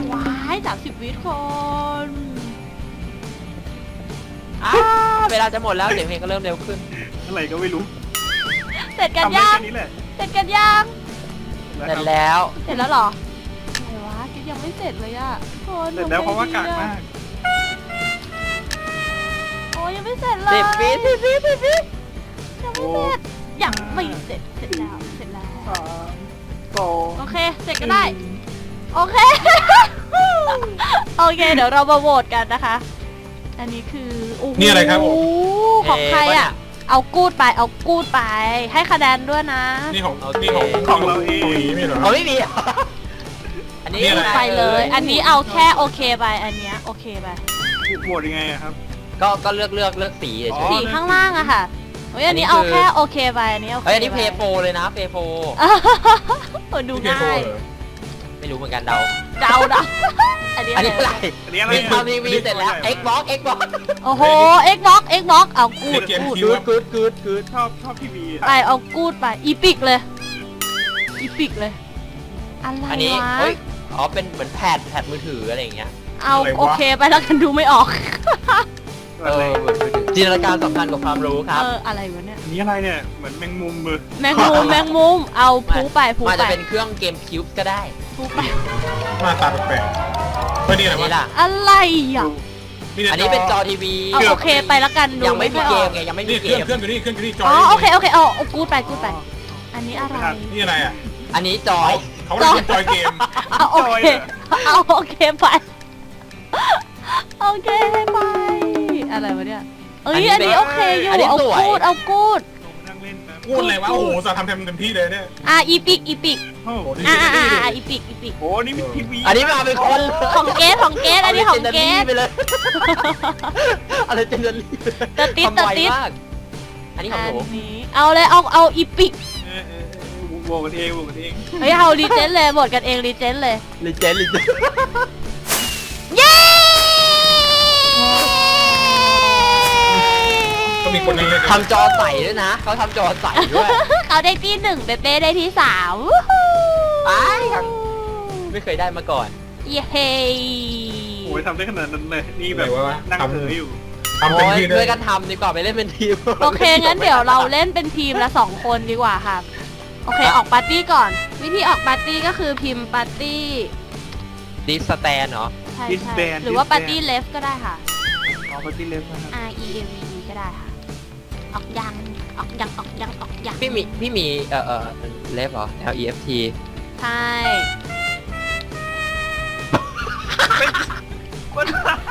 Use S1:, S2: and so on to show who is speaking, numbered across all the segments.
S1: ว้าย30 วิคน
S2: เวลาจะหมดแล้วเสียงเพลงก็เริ่มเร็วขึ้น
S3: อะไรก็ไม่รู้
S1: เสร็จกัน
S3: ทำได้
S1: ยัง
S3: แค่นี้แหละ
S1: เสร็จกันยัง
S3: ร
S2: เสร็จแล้ว
S1: เสร็จแล้วเหรออะไรวะกิ๊กยังไม่เสร็จเลยอะโอ้ย
S3: เสร็จแล้วเพราะว่ากากมาก
S1: โอ้ยยังไม่เสร็จเลย
S2: 10 วิ
S1: ยังไม่เสร็จยังไม่เสร็จเสร็จแล้วเสร็จแล้ว
S3: สอง
S1: โอเคเสร็จก็ได้โอเค โอเคเดี๋ยวเรามาโหวตกันนะคะ อันนี้คือโอ้โห
S4: นี่อะไรครับผม
S1: ของใครอ่ะ เอากูดไปเอากูดไปให้คะแนนด้วยนะ
S4: นี่ของ
S2: โอเค
S4: นี่ของเราเองไม่เหรอ
S2: เอาไม่มี อันนี้
S4: นี่อะไร
S1: ไปเลย อันนี้เอาแค่โอเคไปอันเนี้ยโอเคไป
S3: โหวตยังไงอะครับ
S2: ก็เลือกสีเฉ
S3: อ๋อ
S2: ย
S1: สีข้างล่างอะค่ะเฮ้ยอันนี้
S2: อันนี้
S1: เอา
S2: คือ
S1: แค่โอเคไปอันนี้โอ
S2: ๆ
S1: เค
S2: เฮ้ยอันนี้เพย์โฟเลยนะเพย์โฟ
S1: โอ้ยดู
S4: พี่เค
S1: ง่าย
S4: เหรอ
S2: ไม่รู้เหมือนกันเดา
S1: เดาเดาอันนี้
S2: อันนี้อะไร
S3: อันนี้อะไร
S2: มี
S3: อะ
S2: ทำทีวีเสร็จแล้ว Xbox
S1: โอ้โห Xbox เอากู
S4: นี่
S1: ด
S4: เกม
S1: กูด
S4: คิว
S2: กูด
S3: ชอบทีวี
S1: ไปเอากูดไปอีพิกเลยอีพิกเลยอะไร
S2: อันนี้
S1: วะ
S2: เฮ้ยอ๋อเป็นเหมือนแพดมือถืออะไรอย่างเงี้ย
S1: เอาโอเคไปแล้วกันดูไม่ออก
S3: อะไร
S2: เหมือนมือถือจินตนาการสำคัญกว่าความรู้ครับ
S1: อะไรวะเนี่ย
S3: อันนี้อะไรเนี่ยเหมือนแมงมุมมือ
S1: แมงมุมเอาพูไปพู
S2: มัน
S1: ไป
S2: จะเป็นเครื่องเกมคิวส์ก็ได้
S1: พูไป
S4: หน้าตาแปลกๆไม่นี่อะไร
S2: นี่
S4: วะ
S2: ล่ะ
S1: อะไรอ่ะ
S2: อันนี้เป็นจอทีวี
S1: เอาโอเคไปแล้วกันดู
S2: ยังไม่มี
S1: ค่อ
S2: เก
S1: อ
S2: ม
S1: อก
S2: ไงยังไม่มี
S4: นี่
S2: เก
S4: เครื่อง
S2: ม
S4: อยู่นี่เครื่องอยู่นี่จอ
S1: อ๋อ
S4: นี่
S1: โอเคเอากูดไปอันนี้อะไร
S4: นี่อะไรอ่ะ
S2: อันนี้จอย
S4: เขาเรียกว่าจอยเกม
S1: เอาโอเคเอาโอเคไปโอเคไปอะไรวะเนี่ยเอ้ยอันนี้โอเคอยู่เอากูด
S3: นั่งเล่นครับ
S4: พูดอะไรวะโอ้โหสาทำเต็มที่เลยเนี่ย
S1: อีพิก
S3: โอ้โห
S4: โอ้โห
S1: อีพิก
S3: โอ้นี่มีทีวี
S2: อันนี้มาเป็นคน
S1: ของเกสอันนี้ของเกส
S2: ไปเลยอะไรเจนเนอรี่
S1: ตะติด
S2: ทำไวมากอันนี้ของหนู
S1: อันนี้เอาเลยเอาอีพิก
S3: โหวตกันเองโหวตกันเอง
S1: เฮ้ยเอารีเจนเลยหมดกันเองรีเจนเลย
S2: ลิเจน
S1: เย้
S4: ก็มีคนนั่งเล่น
S2: ทำจอใสด้วยนะเขาทำจอใสด้วย
S1: เขาได้ที่หนึ่งเป๊ะได้ที่สาม
S2: ไม่เคยได้มาก่อน
S1: เย้
S3: โอ้ยทำได้ขนาดนั้นเลยนี่
S4: แบ
S3: แบบ บ
S4: ว่า
S3: นั่ง
S4: ทำ
S3: เผลออยู่
S4: ทำเต็มที่เล
S2: ด้วย ยกันทำดีกว่าไปเล่นเป็นทีม
S1: โอเคงั้นเดี๋ยวเราเล่นเป็นทีมละ2 คนดีกว่าค่ะโอเคออกปาร์ตี้ก่อน วิธีออกปาร์ตี้ก็คือพิมพ์ปาร์ตี้
S2: ดิสแตนเหรอ
S1: ใช่หรือว่าปาร์ตี้เลฟก็ได้ค่ะ
S3: อ๋อปาร์ตี้เลฟนะครับ
S1: R E A V E ก็ได้ค่ะ ออกยัง
S2: พี่มีเลฟเหรอ L E F T
S1: ใช่
S3: คน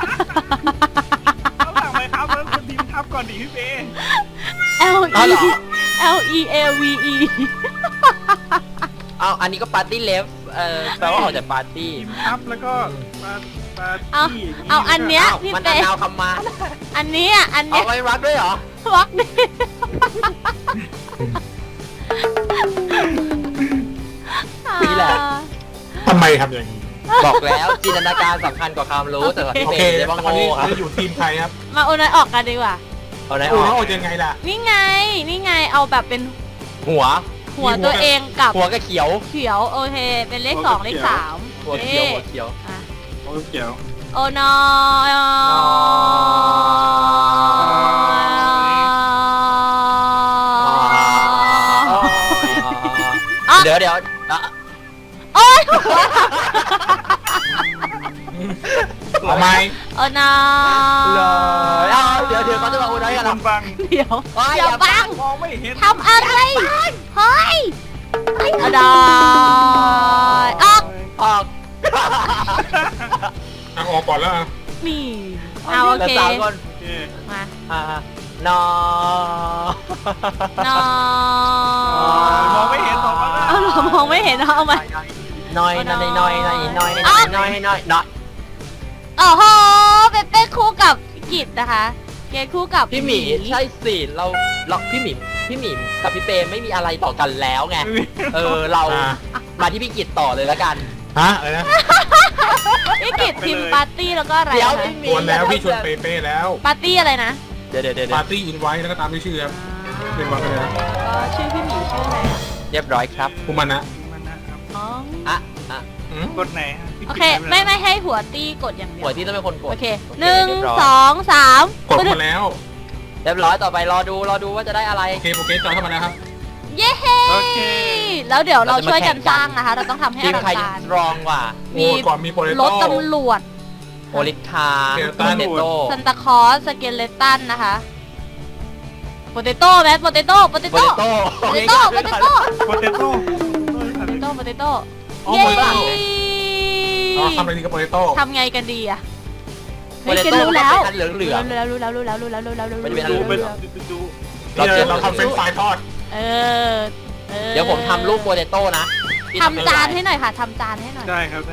S3: เขาหลังไปครับแล้วคนทีมทับก่อนดิพี่เป้
S1: L
S2: อ๋อ
S1: E
S2: เหรอ
S1: L E A V E
S2: เอาอันนี้ก็ปาร์ตี้เลฟแปลว่าออกจากปาร์ตี้
S3: ทีมทับแล้วก็ปาร์ตี้
S1: เอาอันเนี้ย
S2: อ้าว
S1: พี่
S2: มัน
S1: เป๊
S2: ดาวคำมา
S1: อันนี้อ่ะอัน
S2: เอา
S1: เนี้ย
S2: ไว้รักด้วยเหรอ
S1: วักนี่
S2: นี่แหละ
S4: ทำไมทำอย่างนี้
S2: บอกแล้วจินตนาการสำคัญกว่าความรู้แต่สำหรับพี่
S4: โอ
S2: เม
S4: เค
S2: ย์จะ
S4: ต
S2: ว่า
S4: อน
S2: โง่
S4: นี้
S2: ครับ
S4: จะอยู่ทีมใครครับ
S1: มาโอนอยออกกันดีกว่า
S2: เอาไหนอ
S4: โอ้
S2: อก
S4: แล้วเอายังไงล่ะ
S1: นี่ไงเอาแบบเป็น
S2: หัว
S1: หัวตัวเองกับ
S2: หัวก็เขียว
S1: เขียวโอเคเป็นเลข2เลข3
S2: หัวเขียวหัวเขียว
S1: อ่ะ
S3: โอ้เกี่ยว
S1: โอนอย
S2: เดี๋ยว
S1: โอ๊ย
S4: เอาไหม
S1: โอนอ
S2: เดี๋ยวเขาจะมาอุดรกัน
S3: คนฟัง
S1: เดี๋ยว
S2: อย่า
S1: อย่าบัง
S3: มองไม่เห็น
S1: ทำอะไรเฮ้ยโอนอยออก
S2: ออก
S4: เอาออกก่อนแล้ว
S1: นี่เอาโอเค
S2: สามคน
S3: โอเค
S1: มา
S2: นอ
S1: นอ
S3: มองไม่เห็นสองคนละ
S1: เอาเหรอมองไม่เห็นเอามา
S2: น้อยน้อยน้อยน้อยน้อยน้อยน้อยน้อย
S1: โอ้โหเป็นคู่กับกิจนะคะเกณฑ์คู่กับ
S2: พี่หมีใช่สิเราพี่หมีกับพี่เปไม่มีอะไรต่อกันแล้วไงเรามาที่พี่กิจต่อเลยแล้วกัน
S4: ฮะอะไรนะ
S1: พี่กิจทีมปาร์ตี้แล้วก็อะไร
S2: เดี๋ยว
S1: นะ
S2: พี่หมี
S4: ชวนแล้วพี่ชวนเป้ๆแล้ว
S1: ปาร์ตี้อะไรนะ
S2: เดี๋ยว
S4: ปาร์ตี้อินไว้แล้วก็ตามด้วยชื่อครับเป็นวันไปเลยนะ
S1: ก็ชื่อพี่หมีชื่ออะไรอะ
S2: เรียบร้อยครับ
S4: คุมันนะ
S3: มันนะครับ
S1: อ๋อ
S2: อ่ะ
S3: กดไหนฮะพี่
S1: โอ
S3: กิจ
S1: เค
S3: ทำะร
S1: ไม่ให้หัวตี้กดอย่างเดียว
S2: หัวที่ต้องเป็นคนกด
S1: โอเค
S2: โอเค
S1: หนึ่ง
S2: เรียบร้อย
S1: สองสาม
S4: กดมาแล้ว
S2: เรียบร้อยต่อไปรอดูว่าจะได้อะไร
S4: โอเคโปรเกสจอยเข้ามาแล้วครับ
S1: เย้
S3: โอเค
S1: แล้วเดี๋ยวเราช่วยกันสร้างนะคะ เราต้องทำให้
S2: ที
S1: อ
S2: ม
S1: ลัง
S2: ใคร
S1: การ
S2: สตรองกว่า
S4: โอ้ก่อนมีโปเต
S1: ร
S4: โต้
S1: ถตำรวจ
S2: โอลิคา
S4: เกลตั
S2: โป
S4: น
S2: เตโต้
S1: ซันตาคลอสสเกเลตันนะคะโปเตโต้ไหมโปเตโต้โปเต
S2: โป
S1: โต้
S2: เตโต้
S1: โปเตโต้โปเตโต้
S3: โปเตโต้
S1: โปเตโต้
S4: อ๋อ
S1: เย้
S4: โปเตโต้อ๋อทำอะไรดีกับโปเตโต้
S1: ทำไงกันดีอะ
S2: โป
S1: เฮ้ย
S2: เต
S1: เกน
S2: โต้
S1: รู้แล้ว
S2: เป็นเหลืองเหลือง
S1: รู้แล้วรู้แล้วรู้แล้วรู้แล้วรู้แล้วรู้แล้ว
S2: มันจะเป็นอะไร
S3: ดูเป็น
S1: รู้แล้ว
S3: ดู
S4: นี่เราทำเฟรนช์ฟรายทอด
S1: เออ
S2: เดี๋ยวผมทำรูปโปเตโต้นะพี่
S1: ทำจาน
S2: ไม่
S1: ให้
S2: เป็นไร
S1: หน่อยค่ะทำจานให้หน่อย
S3: ได้ครับได้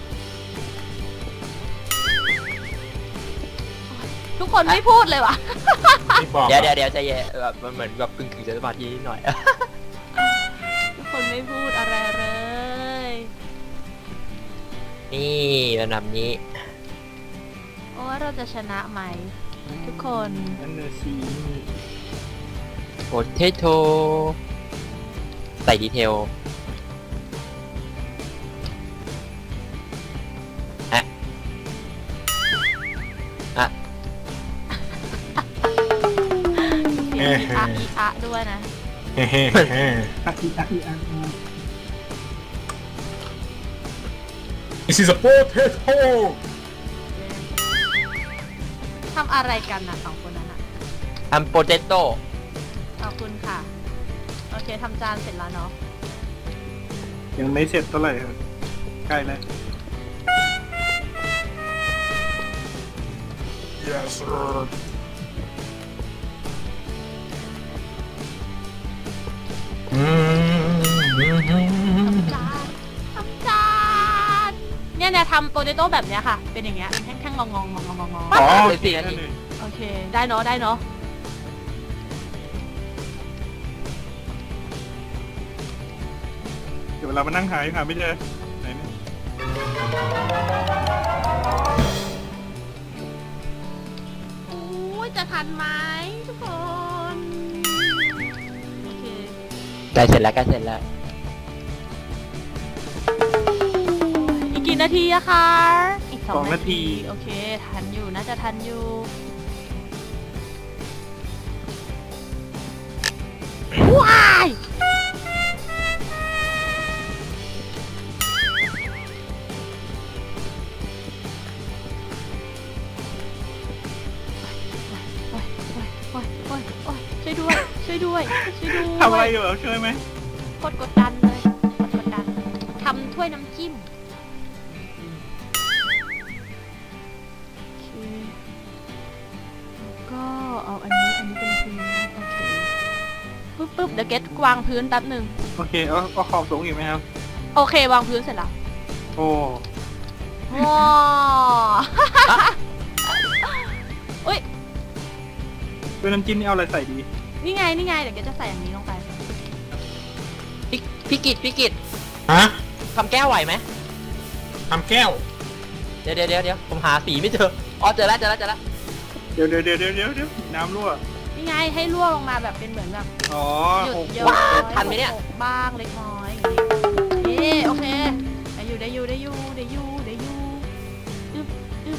S1: ทุกคนไม่พูดเลยว่ะ
S4: ที่บอก
S2: เดี๋ยวใจเย็นแบบมันเหมือนแบบกึ่งจะสมาธินิดหน่อย
S1: ทุกคนไม่พูดอะไรเลย
S2: นี่ระดับนี้
S1: โอ้ว่าเราจะชนะไหมทุกคน
S3: นั่นเนอร์ซี
S2: โปเตโต้ใส่ดีเทลอ่ะ
S1: เสียงอีอะอีอะด้วยนะ
S4: เฮ้เฮ้เฮ้ This is a potato
S1: ทำอะไรกันนะสองคนนั้นอะ
S2: ทำโปเตโต้
S1: ขอบคุณค่ะ โอเคทำจานเสร็จแล้วเนาะ
S3: ยังไม่เสร็จเท่าไหร่ครับใกล้แล้ว
S4: Yes sir
S1: ทำจานเนี่ยทำโปเตโต้แบบเนี้ยค่ะ เป็นอย่างเงี้ยแท่งๆงองๆ
S3: อ๋อ
S2: เลย4 นาที
S1: โอเค ได้เนาะได้เนาะ
S3: เดี๋ยวเวลามานั่งหาไม่เจอไหนเนี่ย
S1: โอ้ยจะทันไหมทุกคน โอเค
S2: ใกล้เสร็จแล้วใกล้เสร็จแล้ว
S1: อีกกี่นาทีอะคะ อีก
S3: 2 นาที
S1: โอเค ทันอยู่น่าจะทันอยู่ ว้ายโอ๊ยช่วยด้วย ช่วยด้วย ช่วยด้วย
S3: ทำอะไรอยู่เหรอช่วยไหม
S1: โคตรกดดันเลยโคตรกดดัน ทำถ้วยน้ำจิ้ม โอเค แล้วก็เอาอันนี้เป็นพื้น โอเค ปึ๊บเดี๋ยวเก็ตวางพื้นแป๊บหนึ่ง
S3: โอเคเอาขอบสูงอีกไหมครับ
S1: โอเควางพื้นเสร็จแล้ว
S3: โอ้
S1: ว้าอุ้ย
S3: ด้วยน้ำจิ้มนี่เอาอะไรใส่ดี
S1: นี่ไง เดี๋ยวเก็ตจะใส่อย่างนี้ลงไป
S2: พี่กิต
S4: ฮะ
S2: ทำแก้วไหวไหม
S4: ทำแก้ว
S2: เดี๋ยวผมหาสีไม่เจออ๋อเจอแล้ว
S3: เดี๋ยวน้ำรั่ว
S1: นี่ไง ให้รั่วลงมาแบบเป็นเหมือนแบบ
S3: อ๋อ
S1: หยุด
S3: หก
S1: เยอะ
S2: ว้าทันไหมเนี่ย
S1: หกบ้างเล็กน้อยอย่างนี้โอเคได้อยู่อึบ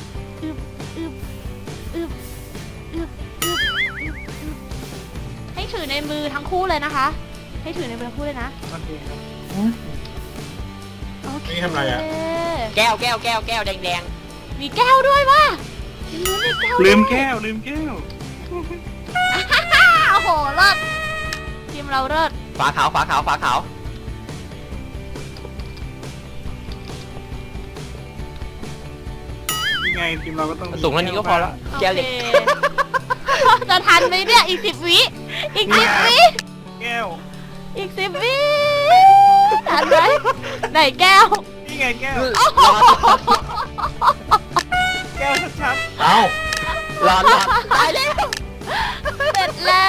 S1: ให้ถือในมือทั้งคู่เลยนะคะ ให้ถือในมือทั้งคู่เลยนะ
S3: โอเคครับ
S1: โอเค
S4: นี่ทำอะไรอะ
S2: แก้วแดง
S1: มีแก้วด้วยว่ะมีแก้ว
S3: ลืมแก้ว
S1: โอ้โหเลิศทีมเราเลิศ
S2: ๆฝาขาว
S3: ยังไงทีมเราก็ต้อง
S2: สูงเท่านี้ก็พอแล้ว แก้วเล็ก
S1: โอคจะทันไหมเนี่ยอีก10 วิอีก10 วิ
S3: แก้ว
S1: อีก10 วิทันไหมไหนแก้ว
S3: นี่ไงแก้ว
S2: ร้อน
S3: แก้วชัด
S4: เอ้า
S2: ตายแล้ว
S1: เสร็จแล้ว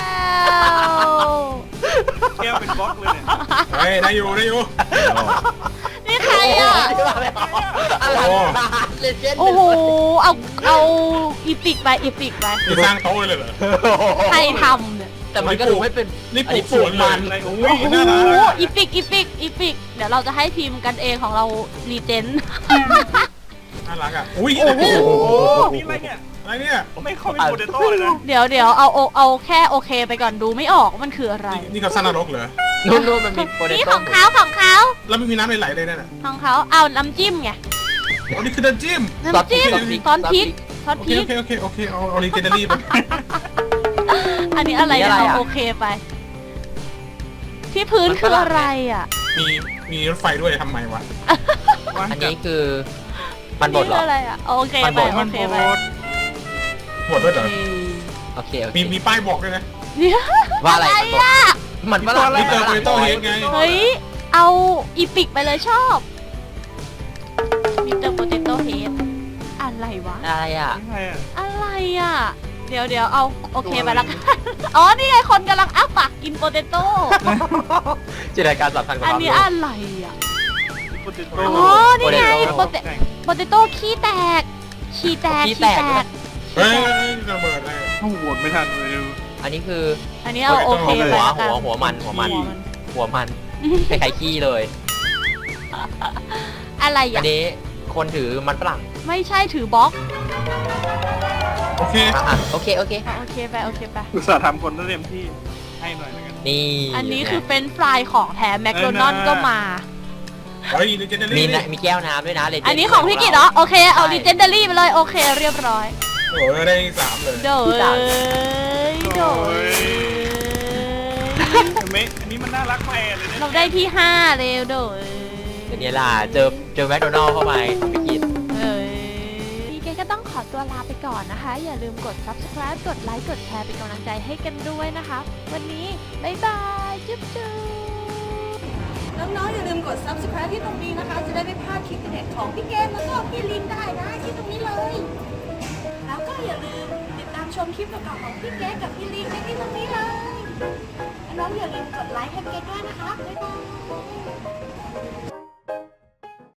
S3: ๆแก้วเป็นบล็อกเลยเนี่ย
S4: เฮ้ยได้อยู่
S1: นี่ใครอ่ะ
S2: อะไรเลเจนด์
S1: โอ้โหเอาอีปิกไป
S4: นี่สร้างโต๊ะเลยเหรอ
S1: ใครทำเนี่ย
S2: แต่มันก็ดูไม่เป็น
S4: นี่ปลูก
S2: อั
S4: สวนเลย
S3: อะไรโอ้
S1: โอ้
S3: ย
S1: โห
S3: น่ารัก
S1: อีปิกเดี๋ยวเราจะให้ทีมกันเองของเรารีเจน
S4: น่ารักอ่ะอุ้ย
S1: โอ้โห
S3: โอ้โหนี่อะไรเนี่ย
S4: อะไรเนี่ย
S3: ผมไม่เข้าไปโปเตโต้เลยนะ
S1: เดี๋ยวเอาแค่โอเคไปก่อนดูไม่ออกว่ามันคืออะไร
S4: นี่เขาสร้างนรกเหรอ
S2: นู่นมันมีโปเต
S1: นี่
S2: โต้
S1: ของเขาของเขา
S4: แล้วไม่มีน้ำไหลๆเลยนั่นน่ะ
S1: ของเขาเอาน้ำจิ้มไง
S4: โอ้นี่คือเดินจิ้ม
S1: น้ำจิ้มซอสพริกซอส
S4: โอ
S1: พ
S4: เค
S1: ริก
S4: โอเคเอาลีเจนเดอรี่ไป
S1: อันนี้อะไรอะเอาโอเคไป ที่พื้นคืออะไรอ่ะ
S4: มีรถไฟด้วยทำไมวะ
S2: อันนี้คือมันบดเหร
S1: นี่
S2: อ
S1: คืออะไรอ่ะโอเคไปโอเคไป
S4: หมดด้วยเหรอ
S2: โอเค
S4: มีป้ายบอกด้วยนะ
S1: เนี่ย
S2: ว่าอะไรมันฝรั่ง
S4: มิสเตอร์โปเตโต้เฮดไง
S1: เฮ้ยเอาอีปิกไปเลยชอบมิสเตอร์โปเตโต้เฮดอะไรวะ
S2: อะไรอ่ะ
S3: ใช่อะ
S1: อะไรอ่ะ เดี๋ยวเอาโอเคไปละกัน อ๋อ นี่ไงคนกำลังอ้าปากกินโปเตโต้
S2: จินตนาการสำคัญกว่า
S1: อัน
S2: ความ
S1: นี้
S2: รู้
S1: อะไรอ่ะ
S3: โปเตโต้
S1: อ๋อ นี่ไง
S2: โปเตโต้
S1: โปเตโต้ขี้แตก ขี้แตก
S2: ขี้แตกด้วย
S4: เฮ้ยระเบิดเลย
S3: โอ้โหโหวตไม่ทันเลยดู
S2: อันนี้คือ
S1: อันนี้เอาโอเคไปละกัน
S2: หัวมันคล้ายๆขี้เลย
S1: อะไร
S2: อั
S1: อ่ะ
S2: นนี้คนถือมันฝรั่ง
S1: ไม่ใช่ถือบล็อก
S4: โอเค
S2: โอเค
S1: โอเคไป
S3: อุตส่าห์ทำคนเต็มที่ให้หน่อยแล้วกัน
S2: นี่
S1: อันนี้คือเป็นฟรายของแท้แมคโดนัลด์ก็มา
S4: เฮ้ยลีเจนเดอ
S2: มี
S4: รี่
S2: มีแก้วน้ำด้วยนะเลย
S1: อันนี้ของพี่กิตเหรอ โอเค เอาดิเจนเดอรี่ไปเลย โอเค เรียบร้อย
S4: โอ้ยได้3เลย
S1: โดย
S3: เห็นไหมอันนี้มันน่ารักแม่เลยเนี่ย
S1: เราได้ที่5เร็วโดย
S2: เป็นไงล่ะเจอแมคโดนัลด์เข้าไปของพี่กิต
S1: พี่เกก็ต้องขอตัวลาไปก่อนนะคะ อย่าลืมกด subscribe กดไลค์ กดแชร์เป็นกำลังใจให้กันด้วยนะคะ วันนี้ บ๊ายบาย จุ๊บจุ๊บ
S5: น้องๆอย่าลืมกด subscribe ที่ตรงนี้นะคะ จะได้ไม่พลาดคลิปเด็ดของพี่เกมแล้วก็พี่ลินได้นะที่ตรงนี้เลย แล้วก็อย่าลืมติดตามชมคลิปเก่าๆของพี่เกมกับพี่ลินได้ที่ตรงนี้เลย น้องๆอย่าลืมกดไลค์ให้พี่เกมด้วยนะคะ บ๊ายบาย